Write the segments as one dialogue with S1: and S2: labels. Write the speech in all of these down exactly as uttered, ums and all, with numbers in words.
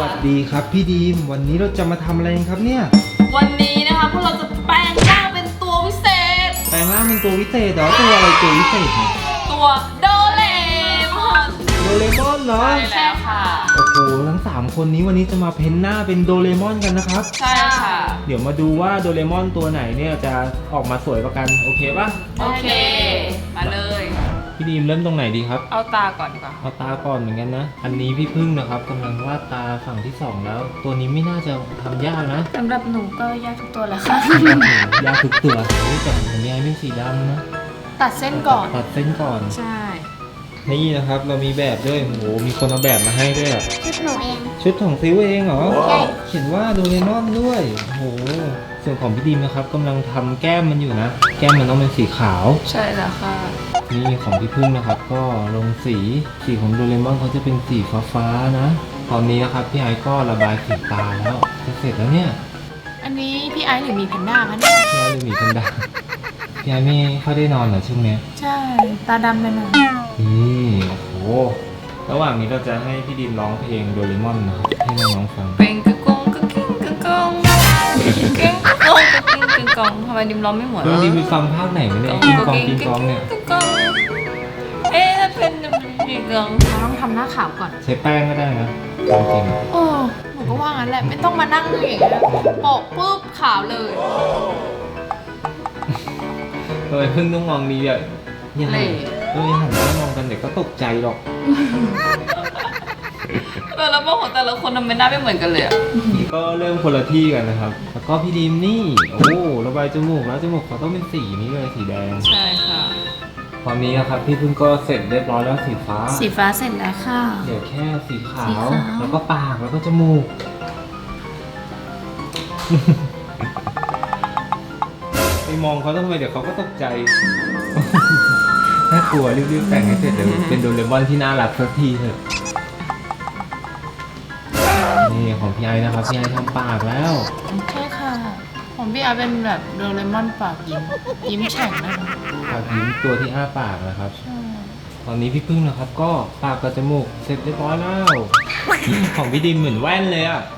S1: วัสดีครับพี่ดีมวันนี้เราจะมาทำอะไรกันครับเนี่ย
S2: วันนี้นะคะพวกเราจะแปลงร่างเป็นตัววิเศษ
S1: แปลงร่างเป็นตัววิเศษเหรอตัวอะไรตัววิเศษเนี่ย
S2: ตัวโดเรมอน
S1: โดเรมอนเหรอ
S2: ใช่ค่ะ
S1: โอ้โหทั้งสามคนนี้วันนี้จะมาเพ้นหน้าเป็นโดเรมอนกันนะครับ
S2: ใช่ค่ะ
S1: เดี๋ยวมาดูว่าโดเรมอนตัวไหนเนี่ยจะออกมาสวยกว่ากันโอเคป่ะ
S2: โอเคมาเลย
S1: พี่ดีมเริ่มตรงไหนดีครับ
S2: เอาตาก่อนดีกว่า
S1: เอาตาก่อนเหมือนกันนะอันนี้พี่พึ่งนะครับกำลังวาดตาฝั่งที่สองแล้วตัวนี้ไม่น่าจะทำยากนะ
S3: สำหรับหนูก็ยากทุกตัวแหละค่ะ
S1: ยากทุกตัวนี่แต่ของพี่ไอ้เป็นสีดำนะ
S3: ตัดเส้นก่อน
S1: ตัดเส้นก่อน
S3: ใช่
S1: นี่นะครับเรามีแบบด้วยโอ้โหมีคนเอาแบบมาให้ด้วยอ่ะ
S3: ชุดหนูเอง
S1: ชุดของซิวเองเหรอใช่เขียนว่าโดเรมอนด้วยโอ้โหส่วนของพี่ดีมนะครับกำลังทำแก้มมันอยู่นะแก้มมันต้องเป็นสีขาว
S2: ใช่แล้วค่ะ
S1: นี่ของพี่พึ่งนะครับก็ลงสีสีของโดเรมอนเขาจะเป็นสีฟ้าๆนะตอนนี้นะครับพี่ไอซ์ก็ระบายสีตาแล้วจะเสร็จแล้วเนี่ย
S3: อันนี้พี่ไอซ์หรือมีแพนด้าคะเนี่ย
S1: พี่ไอซ์หรือมีแพนด้าพี่ไอซ์ไม่ค่อยได้นอนเหรอช่วงนี้
S3: ใช่ตาดำไปหน่อย
S1: นี่โอ้โหระหว่างนี้เราจะให้พี่ดีมร้องเพลงโดเรมอนนะครับให้น้องๆฟัง
S2: เพลงกึกกงกึกกิ้งกึกกงกึกกิ้งกึกกงกึกกิ้งกึกกงทำไมดิมร้องไม่เหมือน
S1: ดิมมีฟังภาคไหนมาเนี่ยกิ้งกองกิ้งกองเนี่ย
S2: เอ๊ะเป็นกิ้งกง
S3: เราต้องทำหน้าขาวก่อน
S1: ใช้แป้งก็ได้นะจริง
S3: ๆโอ้หนูก็ว่างั้นแหละไม่ต้องมานั่งอย่างเงี้ยโปะปุ๊บขาวเลย
S1: ทำไมเพิ่งต้องมองดีอ่ะยังไงเออหันมามองกันเด็กก็ตกใจหรอก
S2: แต่ละบ้านของแต่ละคนทำไมหน้าไม่เหมือนกันเลยอ่ะ
S1: ก็เริ่มคนละที่กันนะครับแล้วก็พี่ดีมนี่โอ้ระบายจมูกแล้วจมูกเขาต้องเป็นสีนี้เลยสีแดง
S2: ใช่ค่ะ
S1: ตอนนี้นะครับพี่พึ่งก็เสร็จเรียบร้อยแล้วสีฟ้า
S3: สีฟ้าเสร็จแล้วค่ะ
S1: เดี๋ยวแค่สีขาวแล้วก็ปากแล้วก็จมูกไปมองเขาทำไมเดี๋ยวเขาก็ตกใจน่ากลัวรีบๆแต่งให้เสร็จเดี๋ยวเป็นโดเรมอนที่น่ารักสักทีเถอะนี่ของพี่ไอนะครับพี่ไอทำปากแล้ว
S3: ใช่ค่ะของพี่ไอเป็นแบบโดเรมอนปากยิ้มยิ้มแฉ่งนะคะ
S1: ปากยิ้มตัวที่อ้าปากนะครับตอนนี้พี่พึ่งนะครับก็ปากกับจมูกเสร็จเรียบร้อยแล้วของพี่ดิมเหมือนแว่นเลยอ่ะ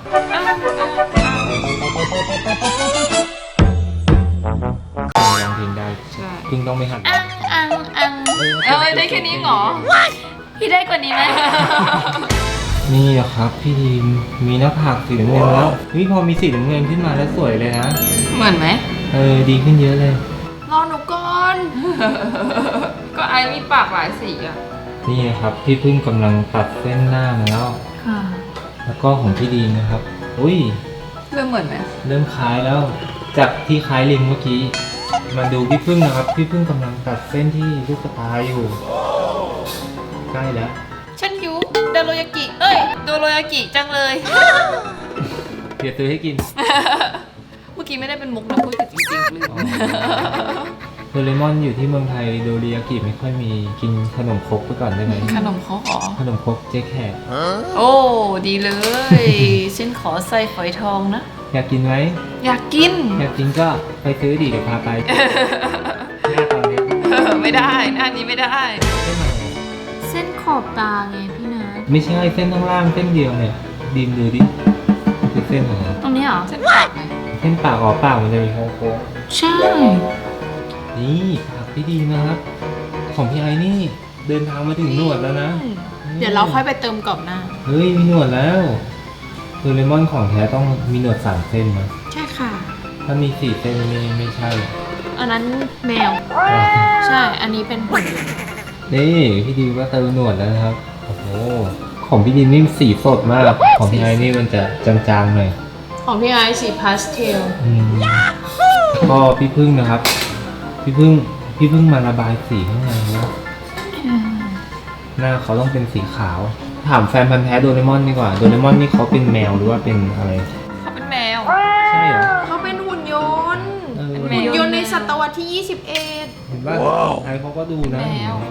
S1: ร้องเพลงได้พึ่งต้องไม่หัน
S3: อังอังอัง
S2: เออได้แค่นี้เหรอ
S3: พี่ได้กว่านี้ไหม
S1: นี่นะครับพี่ดีมมีหน้าผากสีน้ำเงินแล้วนี่พอมีสีน้ำเงินขึ้นมาแล้วสวยเลยนะ
S2: เหมือนไหม
S1: เออดีขึ้นเยอะเลย
S3: รอหนูก่อน
S2: ก็ไอมีปากหลายสีอ่ะ
S1: นี่ครับพี่พึ่งกำลังตัดเส้นหน้ามาแล้ว
S3: ค่ะ
S1: แล้วก็ของพี่ดีมนะครับอุ้ย
S2: เริ่มเหมือนไหม
S1: เริ่มคล้ายแล้วจากที่คล้ายลิงเมื่อกี้มาดูพี่พึ่งนะครับพี่พึ่งกำลังตัดเส้นที่ลูกตาอยู่ใกล้แล้ว
S3: ฉันหิวโดโรยากิเอ้ยโดโรยากิจังเลย
S1: เดี๋ยวซื้อให้กิน
S2: เมื่อกี้ไม่ได้เป็นมุกนะพูดจริงๆลืม
S1: โดเรมอนอยู่ที่เมืองไทยโดริยากิไม่ค่อยมีกินขนมครกไปก่อนได้ไหม
S2: ขนมครกอ๋อ
S1: ขนมครกเจ๊แขก
S2: โอ้ดีเลยฉันขอใส่ฝอยทองนะ
S1: อยากกินไหม
S2: อยากกิน
S1: อยากกินก็ไปซื้อดิเดี๋ยวพาไปหน้าตอนนี้
S2: ไม่ได้หน้านี้ไม่ได้
S3: เส้นขอบตาไงพี่นะ
S1: ไม่ใช่เส้นข้างล่างเส้นเดียวเนี่ยดิมดูดิคือเส้นอะไร
S3: ตรงนี้เหรอ
S2: เส้นปากไง
S1: เส้นปากอ๋อปากมันจะมีโค้ง
S3: ๆใช่
S1: นี่ปากพี่ดีนะครับของพี่ไอ้นี่เดินทางมาถึงหนวดแล้วนะ
S3: เดี๋ยวเราค่อยไปเติมกรอบหน้า
S1: เฮ้ยมีหนวดแล้วโดเรมอนของแท้ต้องมีหนวดสามเส้นนะ
S3: ใช่ค่ะ
S1: ถ้ามีสี่เส้นไม่ไม่ใช่
S3: อันนั้นแมวใช่อันนี้เป็นหุ่น
S1: นี่พี่ดีก็เติมหนวดแล้วนะครับโอ้โหของพี่ดีนี่สีสดมากของพี่ไอ้นี่มันจะจางๆหน่อย
S3: ของพี่ไอสีพาสเทล
S1: ก็พี่พึ่งนะครับพี่พึ่งพี่พึ่งมาระบายสีข้างในนะหน้าเขาต้องเป็นสีขาวถามแฟนพันธุ์แท้โดเรมอนดีกว่าโดเรมอนนี่เขาเป็นแมวหรือว่าเป็นอะไร
S2: เขาเป็นแมว
S1: ใช่เหรอ
S3: เขาเป็นหุ่นยนต์หุ่นยนต์ในศตวรรษที่ยี่สิบเอ็ด
S1: เห็นป่ะไอ้เขาก็ดูนะ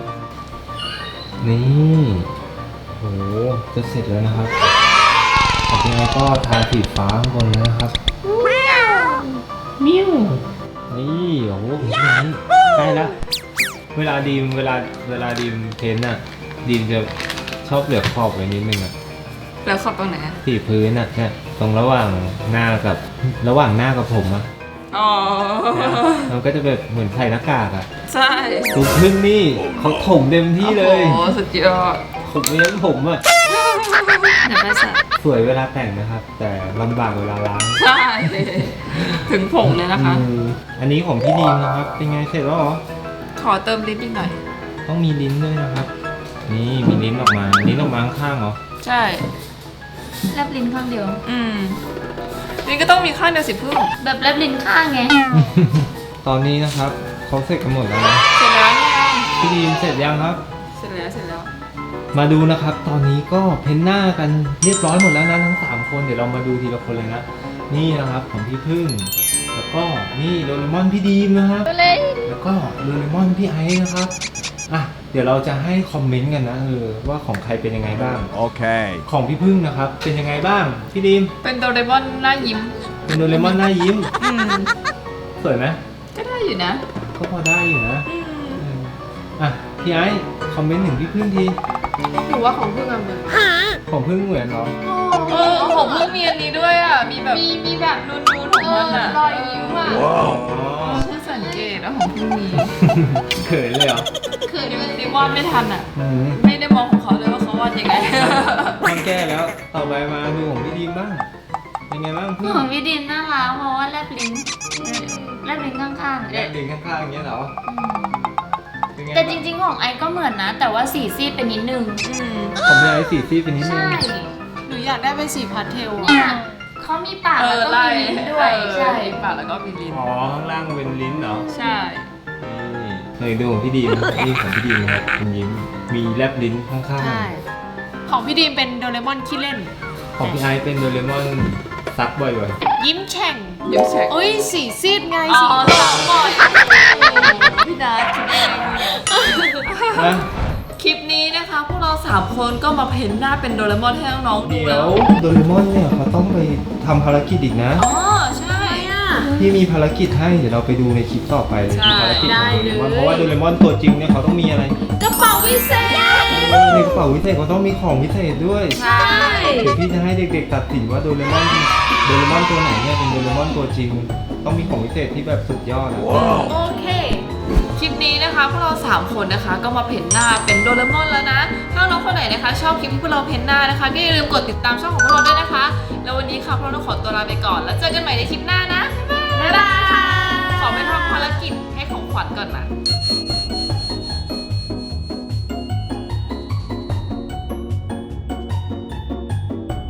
S1: นี่โหจะเสร็จแล้วนะครับต่อไปก็ทาสีฟ้าข้างบนนะครับ
S3: มิ้ว
S1: นี่โอ้โหใกล้แล้วเวลาดีมเวลาเวลาดีมเพ้นท์อ่ะดีมจะชอบเหลือขอบไว้นิดนึงอ่ะ
S2: แล้วขอบตรงไหนอะ
S1: สีพื้นอ่ะเนี่ยตรงระหว่างหน้ากับระหว่างหน้ากับผมอ่ะ
S2: อ๋อ
S1: นะมันก็จะแบบเหมือนใส่หน้ากากอ่ะ
S2: ใช่
S1: ดูพึ่งนี่เขาถมเต็มที่เลย
S2: โอ้โหสุดยอด
S1: ผมเลี้ยงผมอ่ะ
S2: เดี๋ยวไปใส่
S1: สวยเวลาแต่งนะครับ แต่ลำบากเวลาล้าง
S2: ใช่ ถึงผงเลยนะคะ
S1: อืมอันนี้ของพี่ดีมนะครับ เป็นไงเสร็จแล้วเหรอ
S2: ขอเติมลิ้นอีกหน่อย
S1: ต้องมีลิ้นด้วยนะครับ นี่มีลิ้นออกมา ลิ้นออกมาข้างๆเหรอ
S2: ใช่
S3: แลบลิ้นข้างเดียว
S2: อืมลิ้นก็ต้องมีข้างเดียวสิพึ่ง
S3: แบบแลบลิ้นข้างไง
S1: ตอนนี้นะครับเขาเสร็จกันหมดแล้วนะ
S2: เสร็จแล้วเนี่ย
S1: พี่ดีมเสร็จยังครับ
S2: เสร็จแล้วเสร็จแล้ว
S1: มาดูนะครับ ตอนนี้ก็เพ้นหน้ากันเรียบร้อยหมดแล้วนะทั้งสามคน เดี๋ยวเรามาดูทีละคนเลยนะ นี่นะครับของพี่พึ่ง แล้วก็นี่โดเรมอนพี่ดีมนะครับ แล้วก็โดเรมอนพี่ไอซ์นะครับ อ่ะ เดี๋ยวเราจะให้คอมเมนต์กันนะเออว่าของใครเป็นยังไงบ้าง
S4: Okay.
S1: ของพี่พึ่งนะครับ เป็นยังไงบ้าง พี่ดีม
S2: เป็นโดเรมอนหน้ายิ้ม
S1: เป็นโดเรมอนหน้ายิ้ม
S2: อืม
S1: สวยไหม
S2: ก็ได้อยู่นะ
S1: ก็พอได้อยู่นะ
S2: อืม
S1: เอออ่ะพี่ไอซ์คอมเมนต์ถึงพี่พึ่งที
S3: หนูว่าของพึ่งอะเหมือน
S1: ของพึ่งเหมือนเหรอ
S2: เออของพึ่งมีอันนี้ด้วยอ่ะ มีแบบ
S3: มีมีแบบ
S2: นูนๆของมันอ่ะ
S3: รอยยิ้มอะ
S1: อ๋อ
S2: เพิ่งสังเกตว่าของพึ่งมี
S1: เขินเลยเหรอ
S3: คือ
S2: นี่
S3: มั
S2: มัน นนี่วาดไม่ทันอ่ะ
S1: อืม
S2: ไม่ได้มองของเขาเลยว่าเขาวาดยังไง
S1: ต้องแก้แล้ว ต่อไปมาดูของพี่ดีมบ้าง เป็นไงบ้างพึ่ง
S3: ของพี่ดินน่ารักเพราะว่าแลบลิ้นแลบลิ้นข้างๆ
S1: แอบดึงข้างๆอย่างเงี้ยเหรอ เป็นไง
S3: แต่จริงๆของไอก็เหมือนนะ แต่ว่าสีซีดเป็นนิดนึง
S2: อืม
S1: ผมมีไอ้สีซีดเป็นนิดนึ
S3: ใช่
S1: ง
S3: หนูอยากได้เป็นสีพาสเทลเนี่ยเขามีปาก
S2: เอ
S3: แล้ว
S2: อ
S3: ก็
S2: ไล่
S3: มีลิ้นด้วย
S2: เออ
S3: ใช่
S2: มีปากแล้วก็มีลิ้น
S1: อ๋อ ข้างล่างเป็นลิ้นเหรอ
S2: ใช่
S1: นี่เคยดูของพี่ดีมนี่ของพี่ดีมนะครับเป็นยิ้ม มีแลบลิ้นข้าง
S3: ใช่
S5: ของพี่ดีมเป็นโดเรมอนขี้เล่น
S1: ๆ ของพี่ไอซ์เป็นโดเรมอนซักบ่อย
S5: ยิ้มแฉ่ง
S2: ยิ้มแฉก
S5: เอ้ยสีซีดไง
S2: อ๋อ
S5: สี
S2: สามก่อนพี่นัทคิดเอง
S1: ๆนะ
S2: คลิปนี้นะคะพวกเราสามคนก็มาเพ้นหน้าเป็นโดเรมอนให้น้องๆดู
S1: เดี๋ย
S2: แล้ว ว
S1: โดเรมอนเนี่ยเขาต้องไปทำภารกิจอีกนะ
S2: อ๋อใช่
S1: พี่มีภารกิจให้ เดี๋ยวเราไปดูในคลิปต่อไปเลย
S2: ใช่
S1: ภารกิจของโดเรมอน เพราะว่าโดเรมอนตัวจริงเนี่ยเขาต้องมีอะไร
S3: กระเป๋าวิเศษ
S1: เออในกระเป๋าวิเศษเขาต้องมีของวิเศษด้วย
S2: ใช่
S1: เดี๋ยวพี่จะให้เด็กๆตัดสินว่าโดเรมอนโดเรมอนตัวไหนเนี่ยเป็นโดเรมอนตัวจริง ต้องมีของวิเศษที่แบบสุดยอดอะ
S2: โอเค คลิปนี้นะคะพวกเราสามคนนะคะก็มาเพ้นหน้าเป็นโดเรมอนแล้วนะ ถ้าน้องคนไหนนะคะชอบคลิปที่พวกเราเพ้นหน้านะคะก็อย่าลืมกดติดตามช่องของพวกเราด้วยนะคะ แล้ววันนี้ค่ะพวกเราต้องขอตัวลาไปก่อน แล้วเจอกันใหม่ในคลิปหน้านะ บ๊ายบาย ขอไปทำภารกิจให้ของขวัญก่อนนะ